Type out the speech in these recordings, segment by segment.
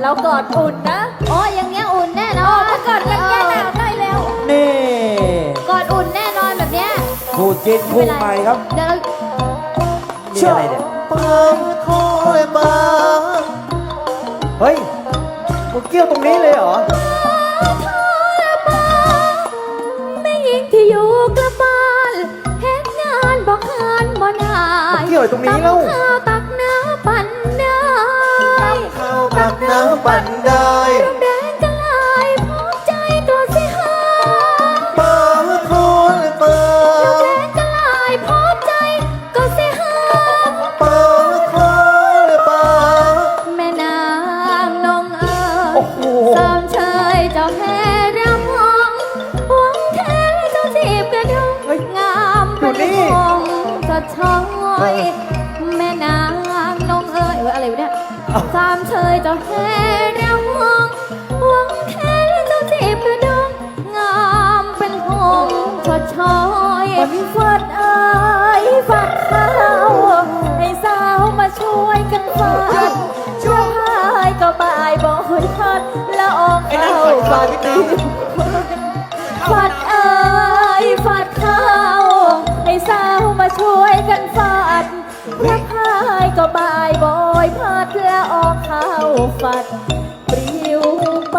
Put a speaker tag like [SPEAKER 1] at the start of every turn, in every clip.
[SPEAKER 1] เรากอดอุ่นนะ
[SPEAKER 2] โอ้อย่างเงี้ยอุ่นแน่นอน
[SPEAKER 1] ถ้ากอดกันแก้หนาวได้แล้ว
[SPEAKER 3] นี่
[SPEAKER 2] กอดอุ่นแน่นอนแบบเนี้ย
[SPEAKER 3] คู่จิ้นคู่ใหม่ครับ
[SPEAKER 2] เดี๋ยวเรา
[SPEAKER 3] นี่อะไรเนี่ย
[SPEAKER 4] ปังคอยปัง
[SPEAKER 3] เฮ้ยมึงเกี่ยวตรงนี้เลยเหรอ
[SPEAKER 2] แม่หญิงที่อยู่กระบาลเฮ็ดงานบอกงานบ่นาย
[SPEAKER 3] เกี่ยวตรงนี้แล้ว
[SPEAKER 2] ตักข้าวตักน้ำปั่นได้
[SPEAKER 4] ข้าวตักน้ำปั่นได้
[SPEAKER 2] ร่มแดงกะลายพร้อมใจก็สิหา
[SPEAKER 4] ปังคอยปัง
[SPEAKER 2] แดงกะลายพร้อมใจก็สิหา
[SPEAKER 4] ปังคอยปัง
[SPEAKER 2] แม่นางนงเอ๋
[SPEAKER 3] โอ้
[SPEAKER 2] ย
[SPEAKER 3] โห
[SPEAKER 2] สามชายเจ้าแห่รำวงหวงแท้เจ้าจีบกระดง
[SPEAKER 3] เฮ้ย
[SPEAKER 2] งามเป็น
[SPEAKER 3] อยู่นี่
[SPEAKER 2] วงจะช้อยแม่นางนงเอ๋ยอะไรวะเนี่ยสามชายเจ้าแห่รำวงหวงแท้เจ้าจีบกระดงงามเป็นวงจะช้อย
[SPEAKER 1] วันนี้ฟัดเอ้ยฟัดข้าวให้สาวมาช่วยกันฟัดช่วยให้ก็บ่ายบ่อยพัดละอองเข้าฟัดตีฟัดเอ้ยฟัดข้าวให้สาวมาช่วยกันฟัดพระพายก็บ่ายบ่อยพัดละอองเข้าฟัดปลิวไป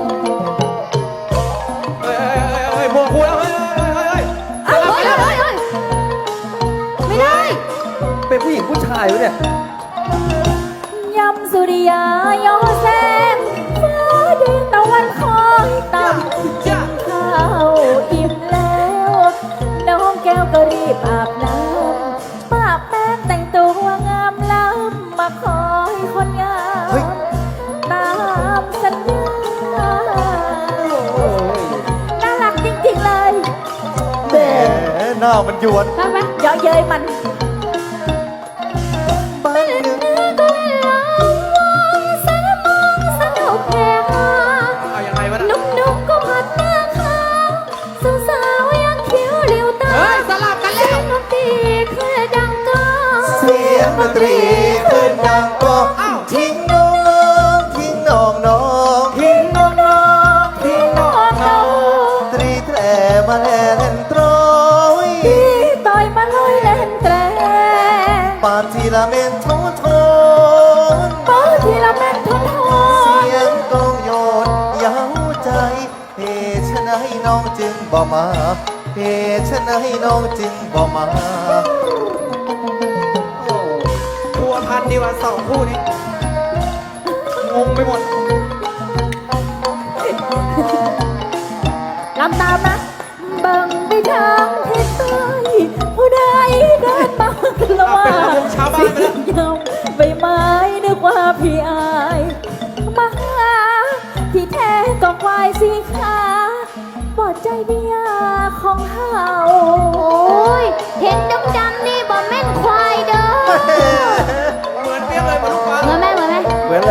[SPEAKER 3] เฮ้ยพวกกูแล้วเฮ้ย
[SPEAKER 2] เอ้ยเอ้ยเอ้ยเอ้ยไม่ได้
[SPEAKER 3] เป็นผู้หญิงผู้ชายวะเนี่ย
[SPEAKER 1] ยำสุริยาโยแสงฟ้าแดงตะวันคอยต่ำข้าวอิ่มแล้ว น้องแก้วก็รีบอาบน้ำป้าแป้งแต่งตัวงามล้ำมาคอยคนงามตามสัญญาน่ารักจริงๆเลย
[SPEAKER 4] แหมหน้ามันหยวน
[SPEAKER 2] ไปไป
[SPEAKER 1] เยาะเย้ยมัน
[SPEAKER 4] บ้านหนึ่ง
[SPEAKER 2] ก็เวลาวงสามมองสนุกแค่หา
[SPEAKER 3] เอายังไงวะนะ
[SPEAKER 2] นุ่มๆก็พัดหน้าขาวสาวๆยังเขียวเรียวตา
[SPEAKER 3] เฮ้ยสลับกันแล้ว
[SPEAKER 2] ดนตรีเคยดังก้อง
[SPEAKER 4] เสียงดนตรีขึ้นดังก้องทิ้งน้องทิ้งน้องน้อง
[SPEAKER 3] ทิ้งน้องๆทิ้งน้อง
[SPEAKER 4] ตรีแตรมาแลเล่นตรอย
[SPEAKER 1] พี่ต่อยมาลอยเล่นแตร
[SPEAKER 4] ปานทีละเมนโทโทน
[SPEAKER 1] เปิดทีละแม่นทนท
[SPEAKER 4] เสี
[SPEAKER 1] น
[SPEAKER 4] ยงกลองโยนเย้าใจเหตุฉะไหนน้องจึงบ่มาเหตุฉะไหนน้องจึงบ่มา
[SPEAKER 3] พัวพันดีกว่าสองคู่นี้ งงไปหมด
[SPEAKER 1] ลำตามนะเบิ่งไปทางทิศใต้ผู้ใดเดินมากันละว่า
[SPEAKER 3] เป็นระวงชาวบ้านไปแล้ว
[SPEAKER 1] เสียงยำใบไม้นึกว่าพี่อายมาหาที่แท้ก็ควายสีขาปลอดใจเมียของเฮา
[SPEAKER 2] โอ้ยเห็นดำๆนี่บ่แม่นควายเด้อ
[SPEAKER 3] เหมือนเปี้ยเลยเหมือนลูกฟ้า
[SPEAKER 2] เหมือนไหมเหมือนไหม
[SPEAKER 3] เหมือนเลย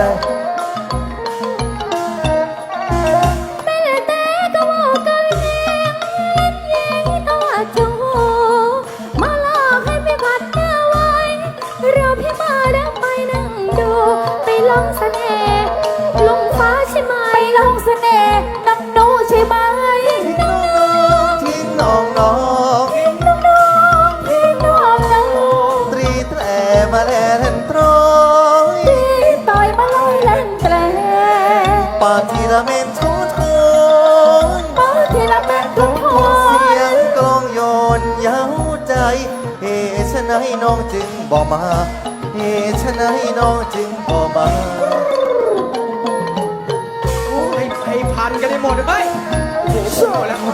[SPEAKER 2] แม่แต่ก็บอกกันเองยิงตัวจูมาหลอกให้พี่ผัดหน้าไว้เราพี่มาแล้วไปนั่งดูไปลองเสน่ห์ลุงฟ้าใช่ไหม
[SPEAKER 1] ไปลองเสน่ห์น้องหนูใช่ไหม
[SPEAKER 4] ทิ้งน้องน้อง
[SPEAKER 1] น้องพี่น้องน้อง
[SPEAKER 4] ตรีแตรมาแลเล่นตรอย
[SPEAKER 1] พี่ต่อยมาลอยเล่นแตร
[SPEAKER 4] ปานทีละเมนโทโทน
[SPEAKER 1] เปิดทีละแม่นทนท
[SPEAKER 4] เสีย
[SPEAKER 1] น
[SPEAKER 4] งกลองโยนเย้าใจเหตุฉะไหนน้องจึงบ่มาเหตุฉะไหนน้องจึงบ่มา
[SPEAKER 3] ให้พันกันได้หมดเลยเฮ้ยโอ้โหหมดแล้ว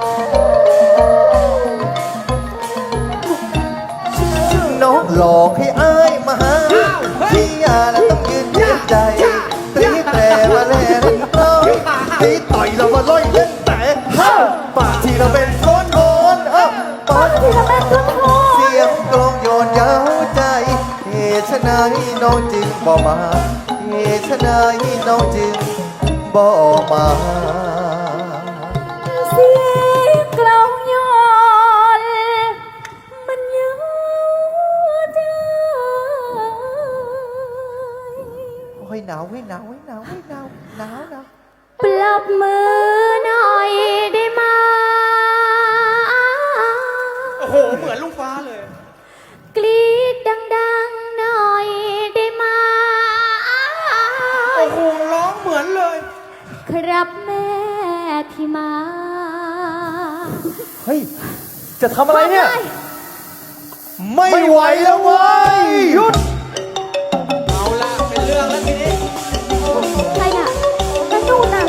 [SPEAKER 4] น้องหลอกให้อายมาหาพี่ยาแล้วต้องยืนเย็นใจตรีแตรมาแลเล่นตรอยตีต่อยเรามาล่อยเล่นแต่ฮ่าปากที่เราเป็นโคนโคนปาก
[SPEAKER 1] ทีละแม่นทนทน
[SPEAKER 4] เสียงกลองโยนเย้าใจเหตุฉะไหนน้องจึงบ่มาเหตุฉะไหนน้องจึงบ่มา
[SPEAKER 1] เสียงกลองโยนมันเยาใจ
[SPEAKER 4] โอ้ยหนาวให้หนาวให้หนาวให้หนาวหนาวหนาว
[SPEAKER 2] ปรบมือหน่อยได้ไหม
[SPEAKER 3] โอ้โห เหมือนลุงฟ้าเลย
[SPEAKER 2] กรี๊ดดังๆหน่อยได้ไหม
[SPEAKER 3] โอ้โห ร้องเหมือนเลย
[SPEAKER 2] ครับแม่ที่มา
[SPEAKER 4] เฮ้ย จะทำอะไรเนี่ย
[SPEAKER 2] ทำไม
[SPEAKER 4] ไม่ไหวแล้วเว้ยหยุด
[SPEAKER 3] เอาละเป็นเรื่องแล้วทีนี้
[SPEAKER 2] ใครน่ะนั่นนู่นน่ะ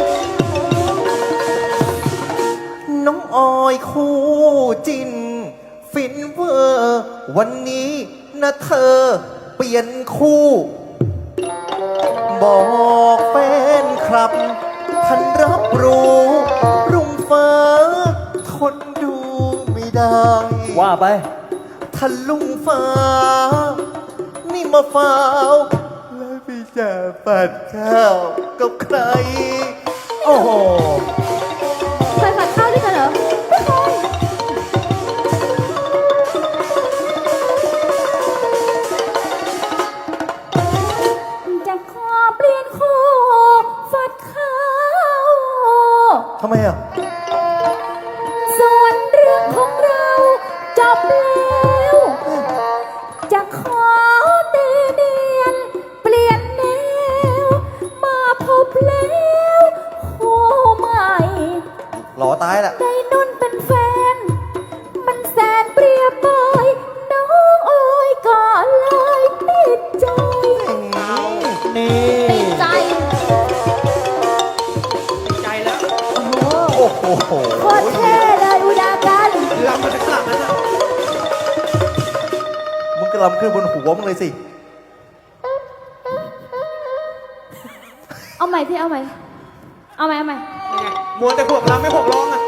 [SPEAKER 4] น้องออยคู่จิน ฟินเวอร์ วันนี้นะเธอ เปลี่ยนคู่ บอกแฟนครับท่านรับรู้รุ่งฟ้าทนดูไม่ได้ ว่าไปท่านลุงฟ้า นี่มาฟ้าวแล้วพี่จะปัดข้าวกับใคร โอ้โห
[SPEAKER 2] เคยผัดข้าวด้วยกันเหรอไม่เคยจะขอเปลี่ยนคู่ฝัดข้าว
[SPEAKER 4] ทำไมอ่ะ
[SPEAKER 2] ส่วนเรื่องของเราจบแล้ว จะขอตีเนียนเปลี่ยนแนว มาพบแล้วคู่ใหม่
[SPEAKER 4] หล่อตายแหละ
[SPEAKER 2] ได้นุ่นเป็นแฟน มันแสนเปรียบเปยน้องเอ๋ยก็เลยติดใจ
[SPEAKER 4] นี่
[SPEAKER 2] ติดใจ
[SPEAKER 3] ใจแล้ว
[SPEAKER 4] โอ้โห
[SPEAKER 2] โคตรเท่เลยอุดากัน
[SPEAKER 3] ลำมาจากหลังนั้นอะ
[SPEAKER 4] มึงกระลำขึ้นบนหัวมึงเลยสิ
[SPEAKER 2] เอาใหม่พี่เอาใหม่ เอาใหม่เอาใหม่
[SPEAKER 3] นี่ไงมัวแต่พวกลำไม่พวกร้องอะ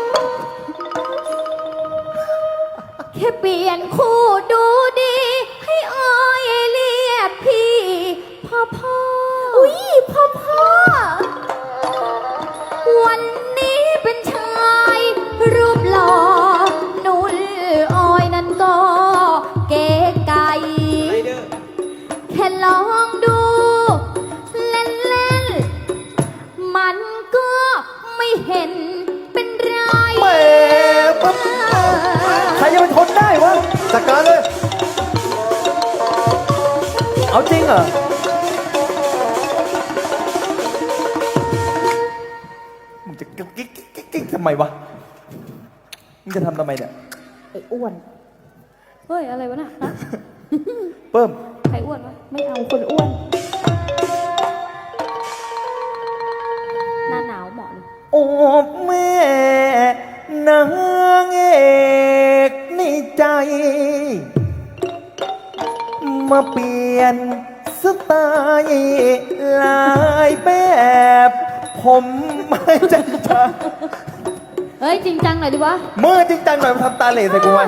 [SPEAKER 2] แค่เปลี่ยนคู่ดูดี ให้ออยเรียกพี่ พ่อพ่ออุ้ยพ่อพ่อ วันนี้เป็นชายรูปหล่อนุ่นออยนั้นก็เก๋ไก่
[SPEAKER 3] ไรเดอร์
[SPEAKER 2] แค่ลองดูเล่นๆ มันก็ไม่เห็นเป็นไร
[SPEAKER 4] แหมปั๊บใครจะไปทนได้วะจัดการเลย เอาจริงเหรอ มึงจะกิ๊กทำไมวะ มึงจะทำทำไมเนี่ย
[SPEAKER 2] ไอ้อ้วน เฮ้ย อะไรวะน่ะฮะ
[SPEAKER 4] เพิ่ม
[SPEAKER 2] ใครอ้วนวะ ไม่เอาคนอ้วน หน้าหนาวเหมาะเลย
[SPEAKER 4] โอ้แม่นางเอกในใจ มาเปลี่ยนสไตล์หลายแบบ ผมไม่จริงจัง
[SPEAKER 2] เฮ้ย จริงจังหน่อยดิวะ
[SPEAKER 4] เมื่อจริงจังหน่อยมาทำตาเหล่ใส่กูไหม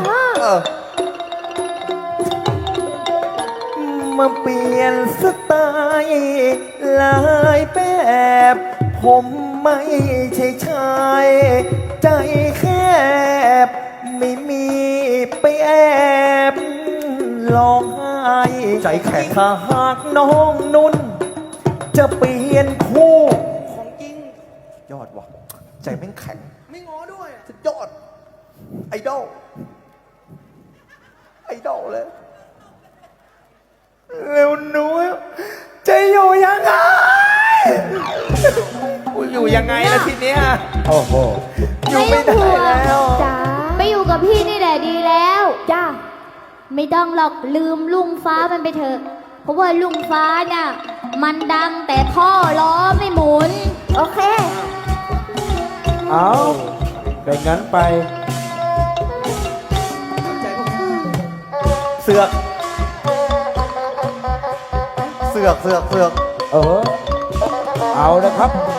[SPEAKER 4] มาเปลี่ยนสไตล์หลายแบบ ผมไม่ใช่ชายใจแคบ ไม่มีไปแอบร้องไห้ใจแข็งถ้าหากน้องนุ่น จะเปลี่ยนคู่
[SPEAKER 3] ของจริง
[SPEAKER 4] ยอดว่ะ ใจแม่งแข็ง
[SPEAKER 3] ไม่ง้อด้วยอะ
[SPEAKER 4] สุดยอด ไอดอล ไอดอลเลย เร็วหนูจะอยู่ยังไงกูอยู่ยังไงล่ะทีเนี้ยโอ้โห อยู่ไม่ได้แล้ว
[SPEAKER 2] จ้าไปอยู่กับพี่นี่แหละดีแล้ว จ้า ไม่ต้องหรอกลืมลุงฟ้ามันไปเถอะ เพราะว่าลุงฟ้าเนี่ยมันดังแต่ท่อล้อไม่หมุน โอเค
[SPEAKER 5] เอาเป็นงั้นไป
[SPEAKER 3] ใจพวกนี้
[SPEAKER 4] เสือก เสือก
[SPEAKER 5] เออ เอาละครับ